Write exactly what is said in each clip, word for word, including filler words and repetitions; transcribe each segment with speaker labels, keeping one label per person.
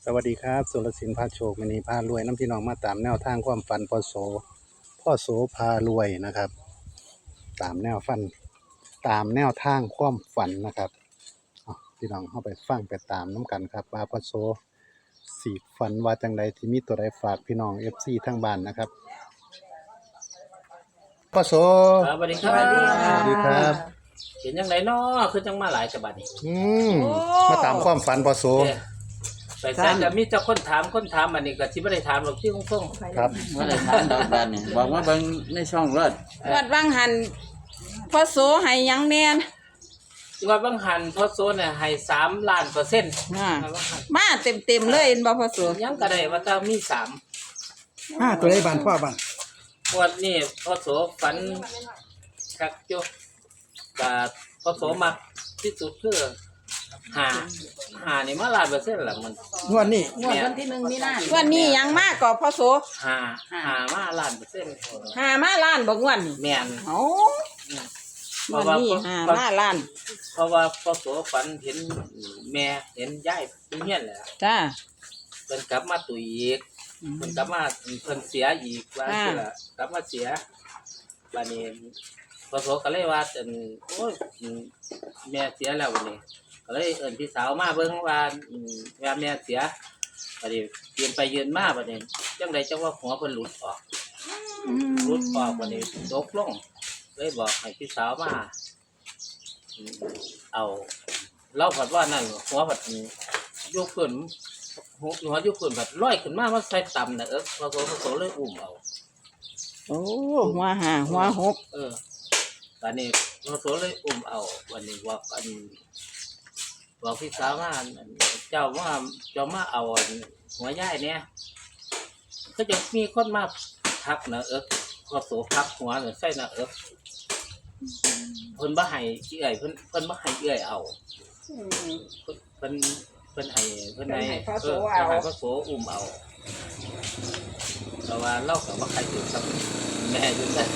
Speaker 1: สวัสดีครับสุรศิลป์พาโชคมณีพารวยน้ำพี่น้องมาตามแนวทางความฝันพ่อโสพ่อโสพารวยนะครับตามแนวฟันตามแนวทางความฝันนะครับเอาพี่น้องเข้าไปฟังไปตามน้ำกันครับว่าพ่อโสสีฝันว่าจังใดที่มีตัวใดฝากพี่น้องเอฟซีทั้งบ้านนะครับพ่อโส
Speaker 2: ครับสวัสดีครั
Speaker 3: สวัสดี
Speaker 2: บ
Speaker 3: ค่ะ
Speaker 1: สวัสดีครับ
Speaker 2: เห็นยังไงเนาะคือจังมาหลายฉบับนี่
Speaker 1: อืมมาตามความฝันพ่อโส
Speaker 2: เอ้ยไปใส่จะมีเจ้าคนถามคนถามอันนี้ก็ที่ไม่ได้ถามหรอกที่คงคง
Speaker 1: ครับ
Speaker 3: เมื่อไรทานดอกบานนี่บอกว่าเบิ่งในช่องรถ
Speaker 4: วัดวังหันพ่อโสให้หยังแน่น
Speaker 2: ว่าบางหันพอโซนเนี่ยให้สามล้านเปอร์เซ็นต์
Speaker 4: อ่ามาเต็มเต็มๆเลยเห็นบ่พ่อโส
Speaker 2: ยังก็ได้ว่าจะมีสาม
Speaker 1: ห้าตัวได้บานพ่อบ้าน
Speaker 2: วันนี้พอโสฝันคักจุกับพอโสมักที่สุดคือหาหานี่มาล้านเปอร์เซ็นต์ละมัน
Speaker 1: งวดนี้
Speaker 2: งวดวันที่
Speaker 4: วันนี้หยังมากกว่าพ่อโส
Speaker 2: หาหามาล้านเปอร์เซ็นต์
Speaker 4: หามาล้านบ่งวนนี่
Speaker 2: แม่น
Speaker 4: เอ้าวันนี้หามาล้าน
Speaker 2: เพราะว่าพอโสฝันเห็นแม่เห็นยายเป็นเฮียนแหละ
Speaker 4: จ้า
Speaker 2: เพิ่นกลับมาตุยอีกเพิ่นกลับมาเพิ่นเสียอีกว่าสิล่ะกลับมาเสียบัดนี้พอโสก็เลยว่าอันโอ้ยแม่เสียแล้ววันนี้ก็เลยเอิ้นพี่สาวมาเบิ่งว่าอืมว่าแม่เสียบัดนี้ยืนไปยืนมาบัดนี้จังไดจังว่าหัวเพิ่นหลุดออกหลุดออกบัดนี้ตกลงเลยบอกให้พี่สาวมาอืมเอาเล่าผัดว่านั่นหัวผัดยกขึ้นหัวหัวยกขึ้นผัดลอยขึ้นมามาใส่ต่ำน่ะเออพอโสพอโสเลยอุ้มเอา
Speaker 4: โอ้หัวหาหัวหก
Speaker 2: เออวันนี้พอโสเลยอุ้มเอาวันนี้ว่าอันบอกพี่สาวว่าอันเจ้าว่าเจ้ามาเอาอันหัวย่ายเนี่ยก็จะมีคนมาทักนะเออพอโสพักหัวเนี่ยใส่นะเออเพิ่นบ่ให้เอื้อยเพิ่นเพิ่นบ่ให้เอื้อยเอาเพิ่นเพิ่นเพิ่นให้เพิ่นให้เออเพิ่นให้พอโสอุ้มเอาแต่ว่าเราก็บ่ใครถือกับแม่อยู่ได้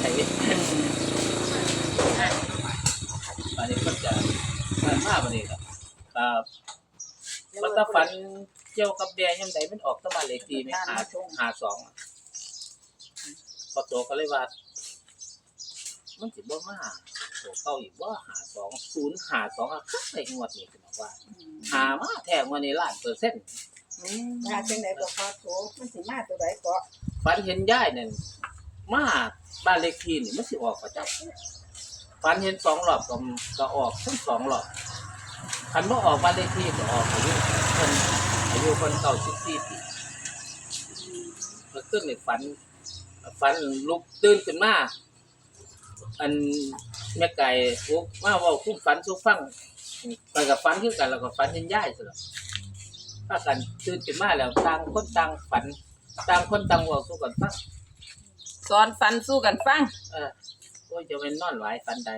Speaker 2: อันนี้ก็จะมันมาบัดนี้ครับครับมันถ้าฝันเกี่ยวกับแดงยามใดมันออกตะบ้านเลขที่แม่หาหาสองพอโตก็เลยว่ามันสิบ่มาโตเก่าอีกบ่หาสองศูนย์หาสองอ่ะคักใส่งวดนี้คือบอกว่าหามาแท้งวันนี้ล้านเปอร์เซ็นต์
Speaker 5: มาจังไดก็พอโถมันสิมาตัวใดก็
Speaker 2: ฝันเห็นยายนั่นมาบ้านเลขที่นี่มันสิออกประจำฝันเห็นสองรอบก็ก็ออกทั้งสองรอบคันบ่ออกบ้านเลขที่ก็ออกอายุเพิ่นอายุเพิ่นเก้าสิบสี่ปีเมื่อคืนนี่ฝันฝันลุกตื่นขึ้นมาอันแม่ไก่ลุกมาเว้าคุ้มฝันสู่ฟังไปกับฝันคือกันแล้วก็ฝันเห็นยายซั่นล่ะพากันตื่นขึ้นมาแล้วต่างคนต่างฝันต่างคนต่างเว้าสู่กันฟัง
Speaker 4: สอนฟันสู้กันฟัง
Speaker 2: เออโอ้ยจะเป็นนอนหลายฟันใด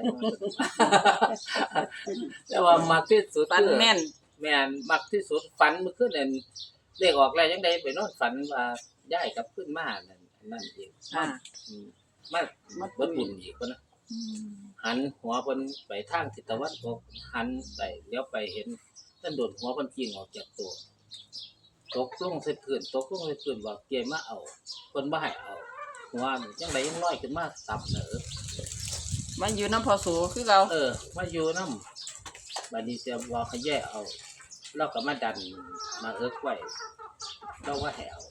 Speaker 2: แต่ว่ามักที่สุด
Speaker 4: ฟันแม่น
Speaker 2: แม่นมักที่สุดฝันเมื่อคืนนั่นเลขออกแล้วยังได้ไปนอนฝันว่าย้ายกลับขึ้นมานั่นนั่นเอง
Speaker 4: อ่า
Speaker 2: อืมมาเบิดบุญอีกคนนะหันหัวเพิ่นไปทางทิศตะวันตกหันไปเลี้ยวไปเห็นท่านโดดหัวเพิ่นกิ้งออกจากตัวตกลงใส่พื้นตกลงใส่พื้นว่าเกยมาเอาเพิ่นบ่ให้เอาหัวนี่จังไดยังน้อยขึ้นมาตับเด้อ
Speaker 4: มันอยู่น้ำพ่อโสคือเรา
Speaker 2: เออมาอยู่น้ำบัดนี้เสียว่าเขาแย่เอาเราก็มาดันมาเอิกไว้เราว่าแหว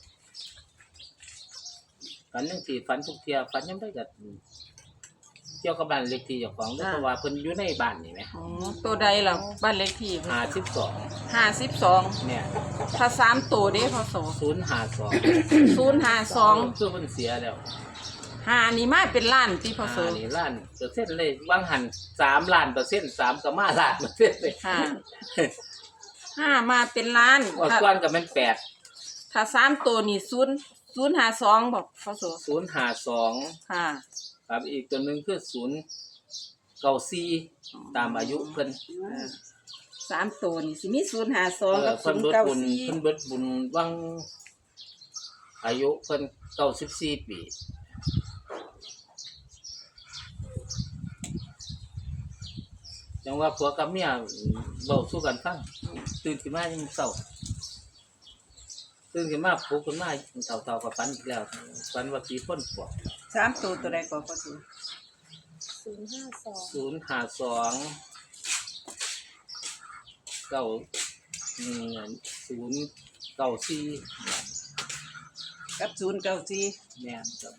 Speaker 2: ฝันยังสี่ฝันทุกเทียฝันยังได้กับเกี่ยวกับบ้านเล็กที่เจ้าของเพราะว่าเพิ่นอยู่ในบ้านนี่ไหม
Speaker 4: อ๋อตัวใดล่ะบ้านเลขที่
Speaker 2: ห้าสิบสอง
Speaker 4: ห้าสิบสอง
Speaker 2: เนี่ย
Speaker 4: ถ้าสามตัวเด้พ่อโส
Speaker 2: ศูนย์ห้าสอง
Speaker 4: ศูนย์ห้าสอง
Speaker 2: คือเพิ่นเสียแล้ว
Speaker 4: หานี่มาเป็นล้านที่พ่อโส
Speaker 2: อ่านี่ล้านเปอร์เซ็นต์เลยวางหันสามล้านเปอร์เซ็นต์สามก็มาล้านเปอร์เซ็นต์เลย
Speaker 4: ค่ะห้ามาเป็นล้าน
Speaker 2: ว่า
Speaker 4: ถ้า
Speaker 2: ก้อนก็เป็นแปด
Speaker 4: ถ้าสามตัวนี่ศูนย์ศูนย์ห้าสองบอกพ่อโส
Speaker 2: ศูนย์ห้าสอง
Speaker 4: ค่ะ
Speaker 2: ครับอีกตัวหนึ่งคือศูนย์เก้าสี่ตามอายุเพิ่น
Speaker 4: สามตัวนี่สิมีศูนย์ห้าส
Speaker 2: เอ
Speaker 4: อง
Speaker 2: อ
Speaker 4: กับ
Speaker 2: เพิ่
Speaker 4: ศู
Speaker 2: น
Speaker 4: นย์
Speaker 2: เบิด
Speaker 4: เก้า
Speaker 2: บุญ
Speaker 4: สี่
Speaker 2: เพิ่นเบิดบุญวังอายุเพิ่นเก้าสิบสี่ปีจังว่าผัวกับเมียเว้าสู้กันฟังตื่นขึ้นมายังเศร้าตื่นขึ้นมาปลุกขึ้นมาเต่าๆกับฝันอีกแล้วฝันว่าผีพ่นปวก
Speaker 4: สามตัวตัวใดก็พอโส
Speaker 5: ศูนย์ห้าสอง
Speaker 2: ศูนย์ห้าสองเก้าอืมศูนย์เก้าสี่
Speaker 4: กับศูนย์เก้าสี่
Speaker 2: แม่นครับ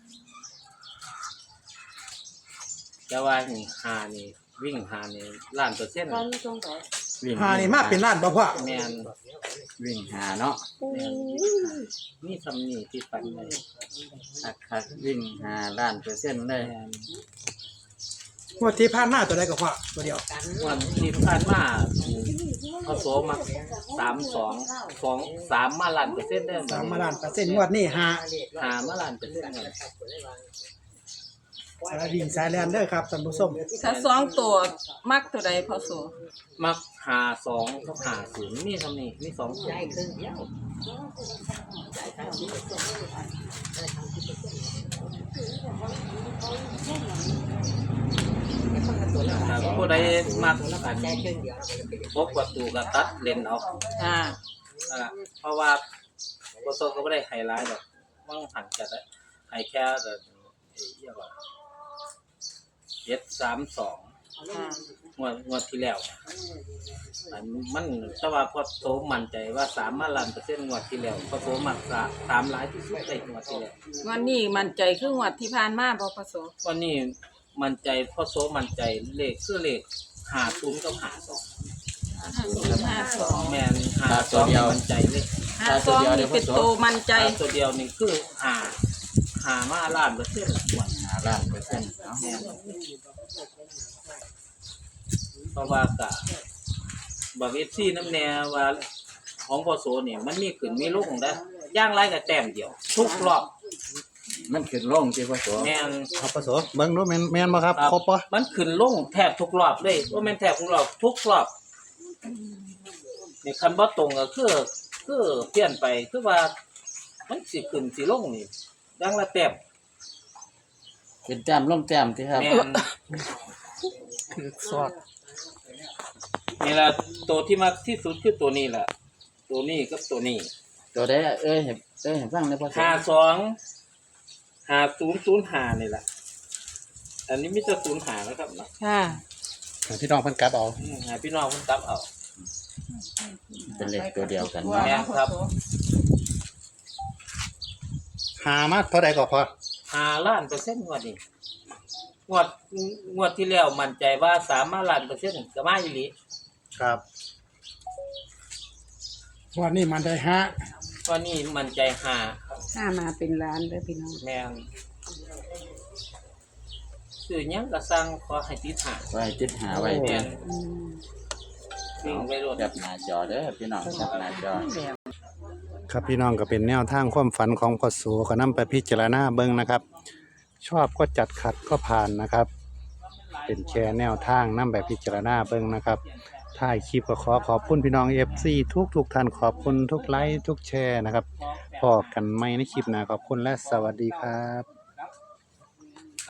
Speaker 2: แต่ว่านี่หานี่วิ่งหานี่ล้านเปอร์เซ็นต์
Speaker 5: ฟันตรงไหน
Speaker 3: วิ่ง
Speaker 6: หานี่มาเป็นล้านบ่พ่อ
Speaker 2: แม่น
Speaker 3: วิ่งหาเนาะ
Speaker 2: แม่นนี่ทำนี่ที่ฝันเลย
Speaker 3: คักคักวิ่งหาล้านเปอร์เซ็นต์เลย
Speaker 2: แม่น
Speaker 6: งวดที่ผ่านมาตัวใดก็พ่อตัวเดียว
Speaker 2: วันที่ผ่านมาเขาโสมาสามสองสองสามมาล้านเปอร์เซ็นต์ได้ไห
Speaker 6: สามมาล้านเปอร์เซ็นต์งวดนี้หา
Speaker 2: หามาล้านเปอร์เซ็นต์เลย
Speaker 6: สายวิ่งสายแลนเด้อครับท่านผู้ชม
Speaker 4: ถ้าสองตัวมักตัวใดพอโส
Speaker 2: มักหาสองกับหาศูนย์มีทำนี่มีสองตัวผู้ใดมักกันพบประตูกับตัดเลนเอา
Speaker 4: อ่า
Speaker 2: อ่าเพราะว่าโกโซก็ไม่ได้ไฮไลท์หรอกว่างหันจัดไฮแค่แต่เรียกว่าเจ็ดสามสอง
Speaker 4: อ่าง
Speaker 2: วดงวดที่แล้วอันมันแต่ว่าพอโตมั่นใจว่าสามมาล้านเปอร์เซ็นต์งวดที่แล้วพอโตมักสาสามหลายที่สุดในงวดที่แล้ว
Speaker 4: วันนี้มั่นใจคืองวดที่ผ่านมาบ่พอโส
Speaker 2: วันนี้มั่นใจพอโซมั่นใจเลขคือเลขหาศูนย์กับหาสอง
Speaker 4: ห้าสอง
Speaker 2: แมนหาสองมั่นใจเลย
Speaker 4: ห้าสองนี่เป็นตัวมั่นใจ
Speaker 2: หาตัวเดียวนี่คือหาหามาล้านเปอร์เซ็นต์งวด
Speaker 3: หาล้านเปอร์เซ็นต์เนาะ
Speaker 2: แม่นเพราะว่ากะบอกเอฟซีน้ำแนวว่าของพอโซเนี่ยมันมีขึ้นมีลงได้อย่างไรกับแต้มเดียว ทุกรอบ
Speaker 3: มันขึ้นลงที่พ่อโส
Speaker 2: แม่น
Speaker 1: ครับปะโสเบิ่งดูแม่นแม่นบ่ครับครบบ่
Speaker 2: มันขึ้นลงแทบทุกรอบเลยว่าแม่นแทบทุกรอบทุกรอบนี่คันบ่ตรงก็คือคือเปลี่ยนไปคือว่ามันสิขึ้นสิลงนี่อย่างละแต้ม
Speaker 3: เป็นแต้มลงแต้มที่ครับ
Speaker 2: แม่น
Speaker 6: สอด
Speaker 2: นี่ล่ะตัวที่มักที่สุดคือตัวนี้ล่ะตัวนี้กับตัวนี้
Speaker 3: ตัวใดเอ้ยเห็นเอ้ยเห็นฟังเลยพ่อโส
Speaker 2: ห้าสองห้าศูนย์ศูนย์ห้านี่แหละอันนี้มิจะศูนย์ห้านะครับเนาะ
Speaker 4: ค่ะ
Speaker 1: ให้พี่น้องเพิ่นกลับเอา
Speaker 2: อืมให้พี่น้องคุณตับเอา
Speaker 3: เป็นเลขตัวเดียวกัน
Speaker 4: ว่า
Speaker 3: เนาะ
Speaker 2: แม่นครับ
Speaker 1: หามาเท่าใดก็พอ
Speaker 2: ห้าล้านเปอร์เซ็นต์งวดนี้งวดงวดที่แล้วมั่นใจว่าสามล้านเปอร์เซ็นต์ก็มาอีหลี
Speaker 1: ครับ
Speaker 6: งวดนี้มันได้ห้า
Speaker 2: ก็นี่มั่นใจห้า
Speaker 5: ห้ามาเป็นล้านเด้อพี่น้อง
Speaker 2: แม่นซื้อหยังก็สั่งขอให้ติดห้า
Speaker 3: ไว้ติดหาไว้
Speaker 2: แม่
Speaker 3: เพีย
Speaker 2: นวิ่งไปรถ
Speaker 3: แคปหน้าจอเด้อพี่น้องแคปหน้าจอ
Speaker 1: ครับพี่น้องก็เป็นแนวทางความฝันของพ่อโสก็นำไปพิจารณาเบิ่งนะครับ ชอบก็จัดขัดก็ผ่านนะครับ เป็นแชร์แนวทางนำไปพิจารณาเบิ่งนะครับท้ายคลิปก็ขอขอบคุณพี่น้อง เอฟ ซี ทุกทุกๆท่านขอบคุณทุกไลค์ทุกแชร์นะครับพอกันใหม่ในคลิปหน้าขอบคุณและสวัสดีครับ